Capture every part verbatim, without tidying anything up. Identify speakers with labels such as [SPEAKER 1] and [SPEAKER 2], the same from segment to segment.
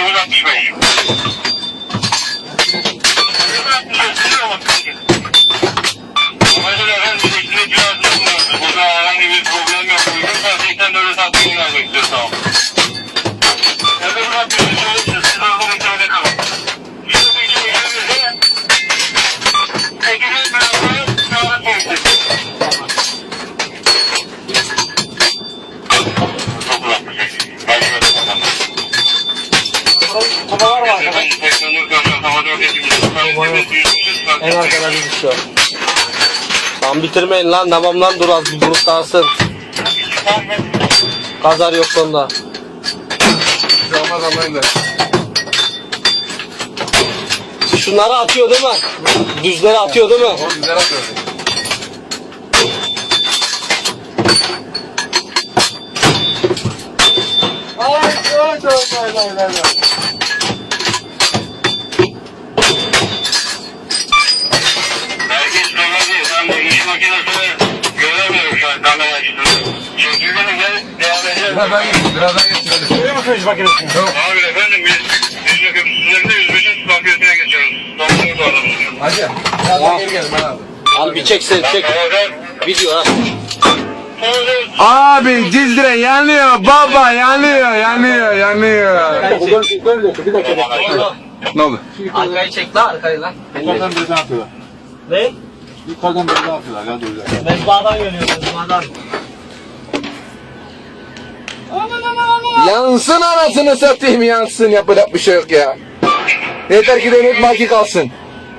[SPEAKER 1] dokuz altmış beş. Mesela efendim elektriğe cihazını kullanıyoruz. Burada herhangi bir problem yok. Uygunsa seksen dört saat günler bekliyor sağ olun. Efendim hakkınızı söyleyeceğiz. Siz orada müsaade kalın. Şurada bir şey gelirse ekibin beraber sağlık verecek. dokuz altmış beş. Başka bir bakalım.
[SPEAKER 2] Kuba var mı arkada?
[SPEAKER 3] En arkada bir şu. Lan bitirmeyin lan, tamamlan dur az bir grup dağılsın. Kazar yok sonunda.
[SPEAKER 2] Olmaz anlayın da.
[SPEAKER 3] Şunları atıyor değil mi? Düzleri atıyor değil mi?
[SPEAKER 2] O güzel atıyor. Ay ay ay ay ay ay.
[SPEAKER 1] Herkes söyledi. Ben de iş makinesini göremiyorum şu an kamera açtığını. Çekildiğine gel devam edelim.
[SPEAKER 2] Birazdan geç, birazdan geç. Hadi.
[SPEAKER 4] Görüyor musun iş makinesini?
[SPEAKER 2] Yok.
[SPEAKER 1] Abi efendim biz yüz yakın yüz beşin makinesine geçiyoruz. Doktor da alalım.
[SPEAKER 2] Hadi. Birazdan geri gelin ben abi.
[SPEAKER 3] Al bir çek sen çek. Video ha.
[SPEAKER 2] Abi Cizre yanıyor baba yanıyor yanıyor yanıyor.
[SPEAKER 3] Bir dakika.
[SPEAKER 2] Ne oldu?
[SPEAKER 3] Arkayı çek lan, arkayı lan.
[SPEAKER 4] Yukarıdan birden atıyorlar.
[SPEAKER 3] Ne?
[SPEAKER 4] Yukarıdan birden atıyorlar. Ya duyacak.
[SPEAKER 3] Mezbahadan geliyor, mezbahadan.
[SPEAKER 2] Yansın anasını satayım yansın, yapacak bir şey yok ya. Yeter ki devlet maki kalsın.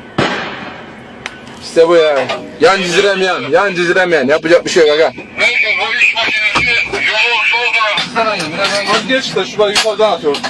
[SPEAKER 2] İşte bu ya. Yan cizrem yan, yan cizrem yan. Yapacak bir şey yok aga.
[SPEAKER 1] Neyse bu iş makinesi yolu solda.
[SPEAKER 2] Birazdan geç de şu yukarıdan atıyoruz.